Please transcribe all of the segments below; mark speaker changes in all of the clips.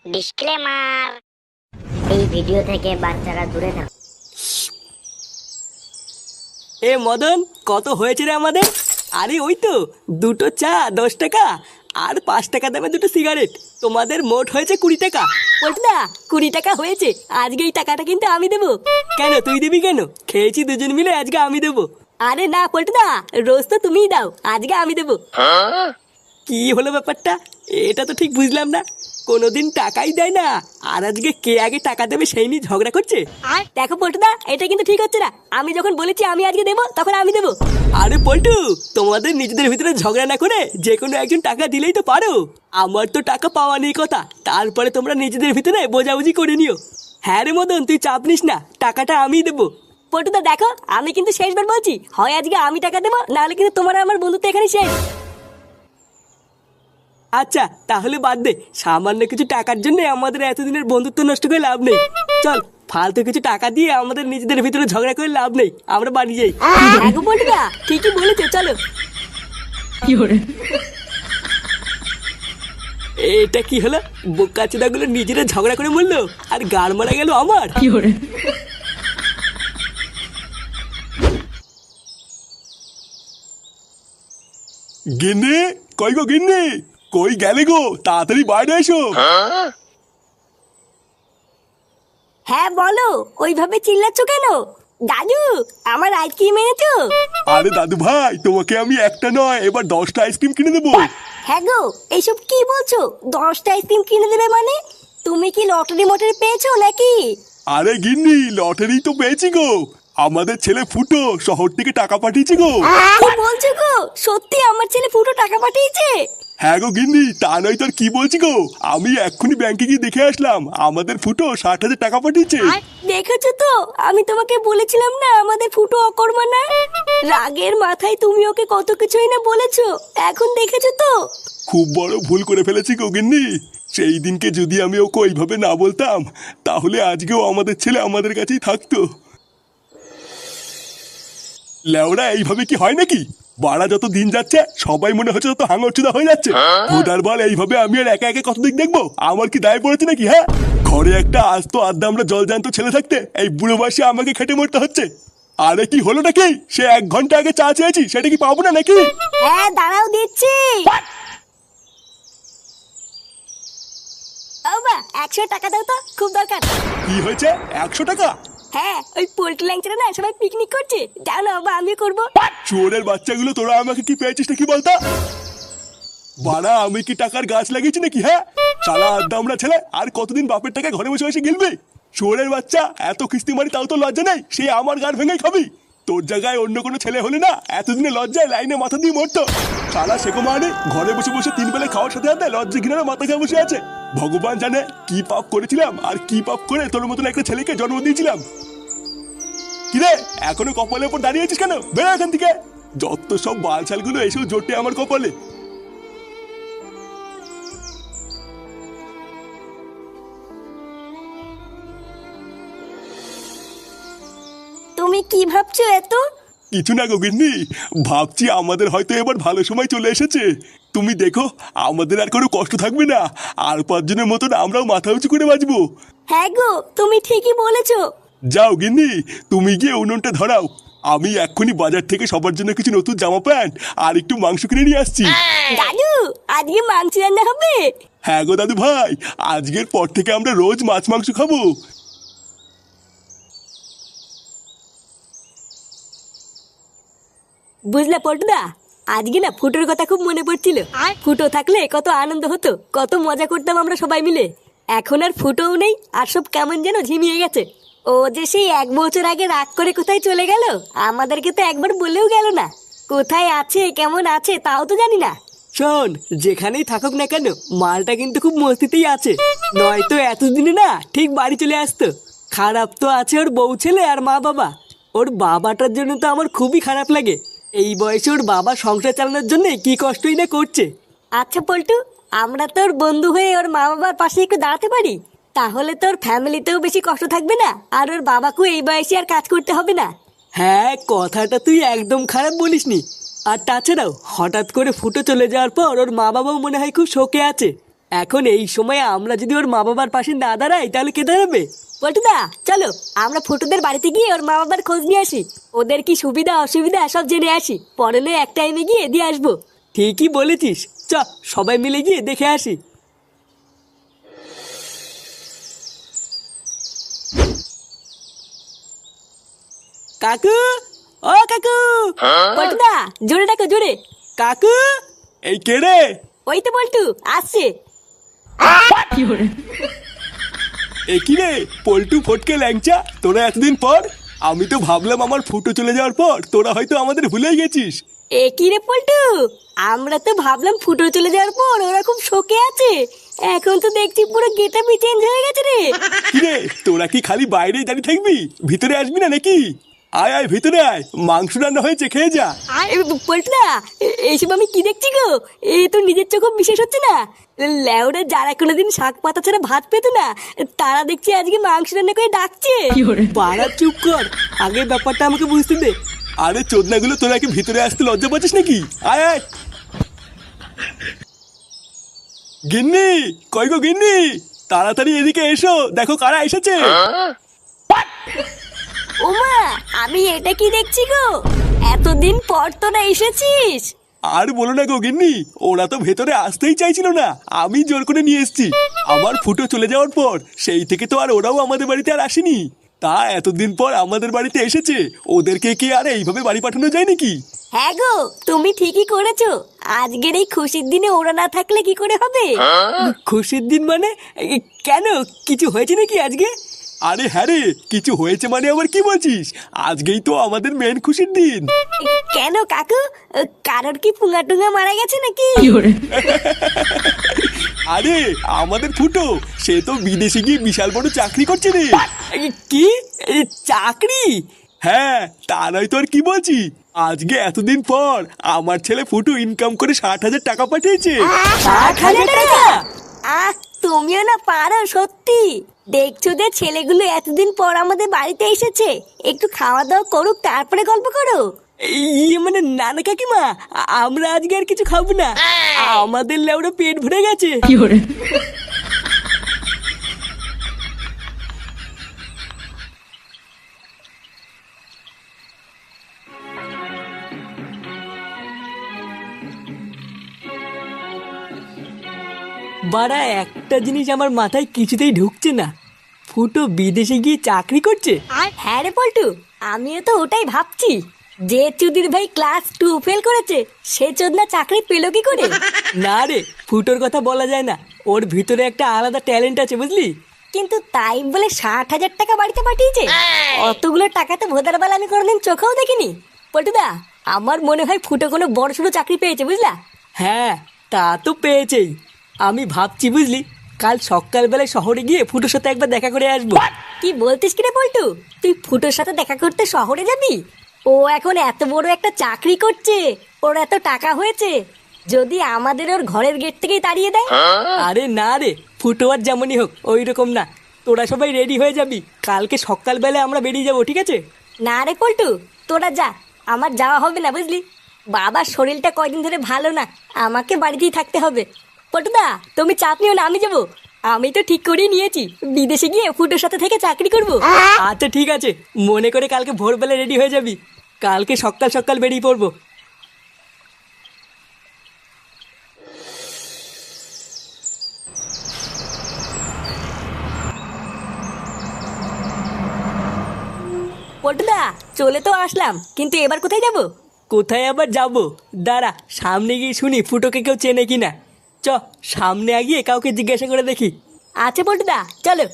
Speaker 1: Disclaimer, এই video থেকে বাচ্চারা দূরে থাকুন।
Speaker 2: এ মদন, কত হয়েছে রে আমাদের? আরে ওই তো দুটো চা 10 টাকা আর 5 টাকা দামে দুটো সিগারেট। তোমাদের মোট হয়েছে 20 টাকা।
Speaker 3: পল্টুদা 20 টাকা হয়েছে। আজকে এই টাকাটা কিন্তু আমি দেবো।
Speaker 2: কেন তুই দিবি কেন? খেয়েছি দুজন মিলে, আজকে আমি দেবো।
Speaker 3: আরে না পল্টুদা, রোজ তো তুমিই দাও, আজকে আমি দেবো।
Speaker 2: কি হলো ব্যাপারটা? এটা তো ঠিক বুঝলাম না। কোনোদিন টাকাই দেয় না, আর আজকে কে আগে টাকা দেবে সেই নিয়ে ঝগড়া করছে।
Speaker 3: দেখো পল্টুদা, এটা কিন্তু ঠিক হচ্ছে না। আমি যখন বলেছি আমি আজকে দেবো, তখন আমি দেবো।
Speaker 2: আরে পল্টু, তোমাদের নিজেদের ভিতরে ঝগড়া না করে যে কোনো একজন টাকা দিলেই তো পারো। আমার তো টাকা পাওয়া নেই কথা, তারপরে তোমরা নিজেদের ভিতরে বোঝাবুঝি করে নিও। হ্যাঁ রে মদন, তুই চাপ নিস না, টাকাটা আমিই দেবো।
Speaker 3: পল্টুদা দেখো, আমি কিন্তু শেষবার বলছি, হয় আজকে আমি টাকা দেবো, নাহলে কিন্তু তোমার আর আমার বন্ধুত্ব এখানে শেষ।
Speaker 2: আচ্ছা তাহলে বাদ দে, সামান্য কিছু টাকার জন্য আমাদের এতদিনের বন্ধুত্ব নষ্ট করে লাভ নেই। চল, ফালতু কিছু টাকা দিয়ে আমাদের নিজেদের ভিতরে ঝগড়া করে লাভ নেই, আমরা বাড়ি যাই।
Speaker 3: দেখো পল্টুদা, ঠিকই বলেছো, চলো।
Speaker 2: এটা কি হলো? বোকাচোদা গুলো নিজেরা ঝগড়া করে মরলো, আর গাড় মারা গেল আমার।
Speaker 4: গিন্নি, কই গো গিন্নি, কই গেলে গো? তাড়াতাড়ি বাইরে এসো।
Speaker 3: হ্যাঁ বলো, ওইভাবে চিল্লাচ্ছ কেন? দাদু, আমার আইসক্রিম এনেছো?
Speaker 4: আরে দাদু ভাই, তোমাকে আমি একটা নয় এবার 10টা আইসক্রিম কিনে দেবো।
Speaker 3: হ্যাঁ গো, এইসব কি বলছো? 10টা আইসক্রিম কিনে দেবে মানে? তুমি কি লটারি মটারি পেয়েছো নাকি?
Speaker 4: আরে গিন্নি, লটারি তো পেয়েছি গো। আমাদের ছেলে ফুটো শহর থেকে টাকা পাঠিয়েছে গো।
Speaker 3: কি বলছো গো? সত্যি আমার ছেলে ফুটো টাকা পাঠিয়েছে?
Speaker 4: হ্যাঁ গো গিন্নি, তা নয় তোর কি বলছি গো, আমি এক্ষুনি ব্যাংকে গিয়ে দেখে আসলাম, আমাদের ফুটো 60,000 টাকা পাঠিয়েছে।
Speaker 3: দেখেছো তো, আমি তোমাকে বলেছিলাম না আমাদের ফুটো অকর্মা। রাগের মাথায় তুমি ওকে কত কিছুই না বলেছো, এখন দেখেছো তো।
Speaker 4: খুব বড় ভুল করে ফেলেছি গো গিন্নি। সেই দিনকে যদি আমি ওকে ওইভাবে না বলতাম, তাহলে আজকেও আমাদের ছেলে আমাদের কাছেই থাকতো। লেওরা, এইভাবে কি হয় নাকি? বাড়া যত দিন যাচ্ছে সবাই মনে হচ্ছে তত হাঙরচুদা হয়ে যাচ্ছে। ভোটার বল, এইভাবে আমি আর একা একা কতদিন দেখবো? আমার কি দায় পড়েছে নাকি? হ্যাঁ, ঘরে একটা আস্ত আড্ডা আমরা জলজান্ত ছেলে থাকতে এই বুড়ো বয়সে আমাকে খেটে মরতে হচ্ছে। আরে কি হলো নাকি? সে 1 ঘন্টা আগে চা চেয়েছি, সেটা কি পাবো না নাকি?
Speaker 3: হ্যাঁ দাঁড়াও, দিচ্ছি। বাবা 100 টাকা দাও তো, খুব দরকার।
Speaker 4: কি হয়েছে? 100 টাকা?
Speaker 3: হ্যাঁ, ওই পোল্ট্রি ল্যাংচারা না সবাই পিকনিক করছে, যাও না বাবা, আমিও করবো।
Speaker 4: চোরের বাচ্চাগুলো, তোরা আমাকে কি পেয়েছিস নাকি বলতো? বাড়া, আমি কি টাকার গাছ লাগিয়েছি নাকি? হ্যাঁ, সারা আড্ডা আমরা ছেলে আর কতদিন বাপের টাকা ঘরে বসে বসে গিলবি? চোরের বাচ্চা, এত কিস্তি মারি তাও তো লজ্জা নেই, সে আমার গান ভেঙে খাবি। তোর জায়গায় অন্য কোনো ছেলে হলে না এতদিনে লজ্জায় লাইনে মাথা দিয়ে মরতো। সারা শেখো মানে ঘরে বসে বসে 3 বেলা খাওয়ার সাথে সাথে লজ্জা ঘিনারে মাথা খেয়ে বসে আছে। ভগবান জানে কি পাপ করেছিলাম আর কি পাপ করে তোর মতন একটা ছেলেকে জন্ম দিয়েছিলাম। কিরে, এখনো কপালের উপর দাঁড়িয়ে আছিস কেন? বেরো এখান থেকে। যত সব বালছালগুলো এসেও জোটে আমার কপালে।
Speaker 3: তুমি কি ভাবছো এত?
Speaker 4: কিছু না গোগিন্নি, ভাবছি আমাদের হয়তো এবার ভালো সময় চলে এসেছে। তুমি দেখো, আমাদের আর কোনো কষ্ট থাকবে না, আর 5 জনের মতন আমরাও মাথা উঁচু করে বাঁচবো।
Speaker 3: হ্যাঁ গো, তুমি ঠিকই বলেছো।
Speaker 4: যাও গিন্নি, তুমি গিয়ে উনুনটা ধরাও। আমি এক্ষুনি বাজার থেকে সবার জন্য কিছু নতুন জামা প্যান্ট আর একটু মাংস কিনে নিয়ে আসছি।
Speaker 3: দাদু, আজকে মাংস রান্না হবে?
Speaker 4: হ্যাঁ গো দাদু ভাই, আজকের পর থেকে আমরা রোজ মাছ মাংস খাবো।
Speaker 3: বুঝলে পল্টুদা, আজকে না ফুটোর কথা খুব মনে পড়ছিল। ফুটো থাকলে কত আনন্দ হতো, কত মজা করতাম আমরা সবাই মিলে। এখন আর ফুটোও নেই, আর সব কেমন যেন ঝিমিয়ে গেছে। ও যে সেই 1 বছর আগে রাগ করে কোথায় চলে গেল, আমাদেরকে তো একবার বলেও গেল না। কোথায় আছে, কেমন আছে তাও তো জানি না।
Speaker 2: শোন, যেখানেই থাকুক না কেন, মালটা কিন্তু খুব মস্তিতেই আছে, নয়তো এতদিনে না ঠিক বাড়ি চলে আসতো। খারাপ তো আছে ওর বউ ছেলে আর মা বাবা। ওর বাবাটার জন্য তো আমার খুবই খারাপ লাগে। এই বয়সে ওর বাবা সংসার চালানোর জন্য কি কষ্টই না করছে।
Speaker 3: আচ্ছা পল্টু, আমরা তোর বন্ধু হয়ে ওর মা বাবার পাশে একটু দাঁড়াতে পারি, তাহলে তোর ফ্যামিলিতেও বেশি কষ্ট থাকবে না, আর ওর বাবাকেও এই বয়সে আর কাজ করতে হবে না।
Speaker 2: হ্যাঁ, কথাটা তুই একদম খারাপ বলিসনি। আর তাছাড়াও হঠাৎ করে ফুটো চলে যাওয়ার পর ওর মা বাবাও মনে হয় খুব শোকে আছে। এখন এই সময় আমরা যদি ওর মা বাবার পাশে না দাঁড়াই তাহলে কে দাঁড়াবে?
Speaker 3: পল্টুদা চলো আমরা ফুটোদের বাড়িতে গিয়ে ওর মা বাবার খোঁজ নিয়ে আসি, ওদের কি সুবিধা অসুবিধা সব জেনে আসি, পরে নয় এক টাইমে গিয়ে দিয়ে আসবো।
Speaker 2: ঠিকই বলেছিস, চ সবাই মিলে গিয়ে দেখে আসি। কাকু, ও কাকু,
Speaker 3: পল্টুদা জোরে ডাকো জোরে।
Speaker 2: কাকু,
Speaker 4: এই কে রে?
Speaker 3: ওই তো পল্টু আসছে।
Speaker 4: এ কি রে পল্টু ফটকে ল্যাংচা, তোরা এতদিন পর? আমি তো ভাবলাম আমার ফুটো চলে যাওয়ার পর তোরা হয়তো আমাদের ভুলেই গেছিস।
Speaker 3: এ কি রে পল্টু, আমরা তো ভাবলাম ফুটো চলে যাওয়ার পর ওরা খুব শোকে আছে, এখন তো দেখছি পুরো গেটআপই চেঞ্জ হয়ে গেছে রে।
Speaker 4: কি রে তোরা কি খালি বাইরেই দাঁড়িয়ে থাকবি, ভিতরে আসবি না নাকি? আয় আয় ভিতরে আয়, মাংস রান্না হয়েছে, খেয়ে যা।
Speaker 3: পল্টুদা এইসব আমি কি দেখছি গো, এই তো নিজের চোখ বিশেষ হচ্ছে না। লেওরা যারা কোনোদিন শাক পাতা ছাড়া ভাত পেতো না, তারা দেখছি আজকে মাংস রান্না করে ডাকছে।
Speaker 2: বাড়া চুপ কর, আগে ব্যাপারটা আমাকে বুঝতে দে।
Speaker 4: আরে চোদনাগুলো তোরা কি ভিতরে আসতে লজ্জা পাচ্ছিস নাকি? আয় আয়। গিন্নি, কই গো গিন্নি, তাড়াতাড়ি এদিকে এসো, দেখো কারা এসেছে।
Speaker 3: ওমা আমি এটা কি দেখছি গো, এতদিন পর তোরা এসেছিস।
Speaker 4: আর বলো না গো গিন্নি, ওরা তো ভেতরে আসতেই চাইছিল না, আমি জোর করে নিয়ে এসেছি। আমার ফুটো চলে যাওয়ার পর সেই থেকে তো আর ওরাও আমাদের বাড়িতে আর আসেনি। তা এতদিন পর আমাদের বাড়িতে এসেছে, ওদেরকে কি আর এইভাবে বাড়ি পাঠানো যায় নাকি?
Speaker 3: হ্যাঁ গো তুমি ঠিকই করেছো, আজকের এই খুশির দিনে ওরা না থাকলে কি করে হবে।
Speaker 2: খুশির দিন মানে? কেন, কিছু হয়েছে নাকি আজকে?
Speaker 4: আরে হ্যাঁ রে, কিছু হয়েছে মানে আবার কি বলছিস? আজকেই তো আমাদের মেন খুশির দিন।
Speaker 3: কেন কাকু, কারোর কি পুঙ্গা টুঙ্গা মারা গেছে নাকি?
Speaker 4: আরে আমাদের ফুটো, সে তো বিদেশে গিয়ে বিশাল বড় চাকরি করছে রে।
Speaker 2: কি চাকরি?
Speaker 4: হ্যাঁ তা নয় তো আর কি বলছি, আজকে এতদিন পর আমার ছেলে ফুটু ইনকাম করে 60,000 টাকা পাঠিয়েছে।
Speaker 2: 60,000 টাকা?
Speaker 3: আহ তুমিও না পারো সত্যি, দেখছো যে ছেলেগুলো এতদিন পর আমাদের বাড়িতে এসেছে, একটু খাওয়া দাওয়া করুক তারপরে গল্প করো।
Speaker 2: ইয়ে মানে নানা কাকিমা, আমরা আজকে আর কিছু খাবো না, আমাদের লেউড়া পেট ভরে গেছে। বাড়া একটা জিনিস আমার মাথায় কিছুতেই ঢুকছে না, ফুটো বিদেশে গিয়ে চাকরি করছে।
Speaker 3: হ্যাঁ রে পল্টু, আমিও তো ওটাই ভাবছি, যে চুদির ভাই ক্লাস 2 ফেল করেছে সে চোদনা চাকরি পেলো কি করে।
Speaker 2: না রে, ফুটোর কথা বলা যায় না, ওর ভিতরে একটা আলাদা ট্যালেন্ট আছে বুঝলি।
Speaker 3: কিন্তু তাই বলে 60,000 টাকা বাড়িতে পাঠিয়েছে, অতগুলো টাকা তো ভোদার বেলা আমি কোনোদিন চোখেও দেখিনি। পল্টুদা আমার মনে হয় ফুটো কোনো বড় সড়ো চাকরি পেয়েছে বুঝলা।
Speaker 2: হ্যাঁ তা তো পেয়েছেই, আমি ভাবছি বুঝলি কাল সকালবেলায় শহরে গিয়ে ফুটোর সাথে একবার দেখা করে আসবো।
Speaker 3: কি বলতিস কি রে পল্টু, তুই ফুটোর সাথে দেখা করতে শহরে যাবি? ও এখন এত বড় একটা চাকরি করছে, ওর এত টাকা হয়েছে, যদি আমাদের ওর ঘরের গেট থেকেই তাড়িয়ে দেয়।
Speaker 2: আরে না রে, ফুটো আর যেমনই হোক ওই রকম না, তোরা সবাই রেডি হয়ে যাবি, কালকে সকালবেলায় আমরা বেরিয়ে যাবো, ঠিক আছে?
Speaker 3: না রে পল্টু তোরা যা, আমার যাওয়া হবে না বুঝলি, বাবার শরীরটা কয়দিন ধরে ভালো না, আমাকে বাড়িতেই থাকতে হবে। পল্টুদা তুমি চাপ নিও না, আমি যাবো, আমি তো ঠিক করেই নিয়েছি বিদেশে গিয়ে ফুটোর সাথে থেকে চাকরি করব।
Speaker 2: আচ্ছা ঠিক আছে, মনে করে কালকে ভোরবেলা রেডি হয়ে যাবি, কালকে সকাল সকাল বেরিয়ে পড়বো।
Speaker 3: পল্টুদা চলে তো আসলাম, কিন্তু এবার কোথায় যাব?
Speaker 2: কোথায় আবার যাবো, দাঁড়া সামনে গিয়ে শুনি ফুটোকে কেউ চেনে কিনা। চ সামনে গিয়ে কাউকে জিজ্ঞাসা করে দেখি।
Speaker 3: আচ্ছা পল্টুদা চলো।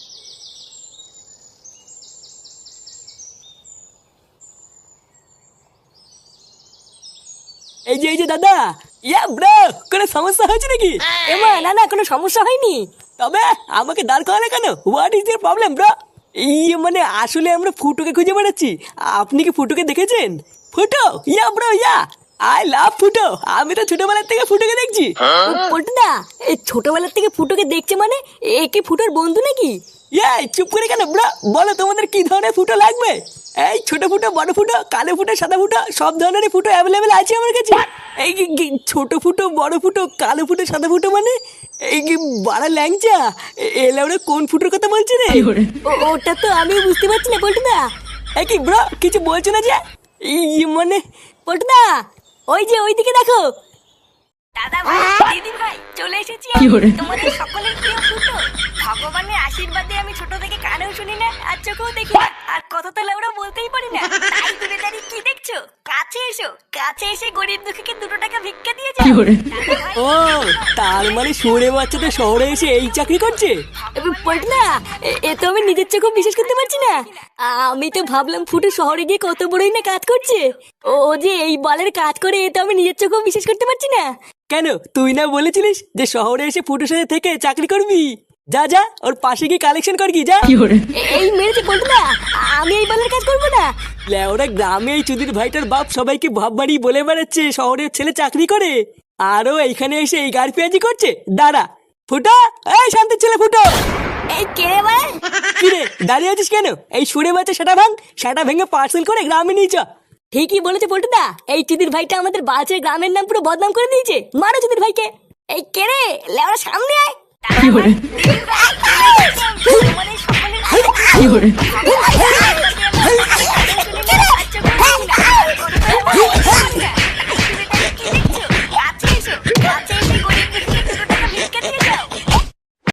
Speaker 2: এই যে দাদা, ইয়া ব্রো, কোনো সমস্যা হয়েছে নাকি?
Speaker 3: এমা না না কোনো সমস্যা হয়নি।
Speaker 2: তবে আমাকে দাঁড় করালে কেন? What is your problem bro? ইয়ে মানে আসলে আমরা ফুটোকে খুঁজে বেড়াচ্ছি, আপনি কি ফুটোকে দেখেছেন? ফুটো, yeah bro yeah, I love ফুটো, আমি তো ছোটবেলার থেকে ফুটোকে দেখছি।
Speaker 3: পল্টুদা, এই ছোটবেলার থেকে ফুটোকে দেখছে মানে এ কি ফুটোর বন্ধু নাকি?
Speaker 2: এই চুপ করে কেন ব্রা, বলো তোমাদের কি ধরনের ফুটো লাগবে? এই ছোট ফুটো, বড় ফুটো, কালো ফুটো, সাদা ফুটো, সব ধরনেরই ফুটো অ্যাভেলেবেল আছে আমার কাছে। এই ছোট ফুটো, বড় ফুটো, কালো ফুটো, সাদা ফুটো মানে এই কি বাড়া ল্যাংচা? এলে ওরা কোন ফুটোর কথা বলছে রে?
Speaker 3: ওটা তো আমি বুঝতে পারছি না পল্টুদা।
Speaker 2: এই কি ব্রা, কিছু বলছো না যে? মানে
Speaker 3: পল্টুদা, ওই যে ওইদিকে দেখো। দাদা ভাই, দিদি ভাই, চলে এসেছি আমি, তোমাদের সকলের প্রিয় ফুটো। ভগবানের আশীর্বাদে আমি ছোট থেকে কানেও শুনি না আর চোখেও দেখি না, আর কথা তো লাউড়া বলতেই পারি না। তাই দূরে দাঁড়িয়ে কি দেখছো? কাছে এসো, কাছে এসে গরিব দুঃখীকে 2 টাকা ভিক্ষা দিয়ে যাও। দাদা ভাই,
Speaker 2: ও, তার মানে শুনে বাচ্চাটা শহরে এসে এই চাকরি করছে?
Speaker 3: পল্টুদা, এ তো আমি নিজের চোখে বিশ্বাস করতে পারছি না। আমি তো ভাবলাম ফুটো শহরে গিয়ে কত বড়ই না কাজ করছে। ও যে এই বালের কাজ করে, এ তো আমি নিজের চোখেও বিশ্বাস করতে পারছি না।
Speaker 2: কেন, তুই না বলেছিলিস যে শহরে এসে ফুটোর সাথে থেকে চাকরি করবি? যা যা, ওর পাশে গিয়ে কালেকশন কর, কি যা।
Speaker 3: এই মেরেছে পল্টুদা, আমি এই বালের কাজ করবো না।
Speaker 2: ওরা গ্রামে এই চুদির ভাইটার বাপ সবাইকে ভাব বাড়ি বলে বেড়াচ্ছে শহরের ছেলে চাকরি করে, আরো এইখানে এসে এই গাড়ি পেঁয়াজি করছে। দাঁড়া ফুটো, এই শান্তির ছেলে ফুটো।
Speaker 3: এই কে রে ভাই?
Speaker 2: কিরে দাঁড়িয়ে আছিস কেন? এই সুরে বাচ্চা সেটা ভাঙ, সেটা ভেঙে পার্সেল করে গ্রামে নিয়ে চ।
Speaker 3: ঠিকই বলেছে পল্টুদা, এই চুদির ভাইটা আমাদের বালছের গ্রামের নাম পুরো বদনাম করে দিয়েছে। মারো চুদির ভাইকে। এই কে রে, লেওড়া সামনে আয়।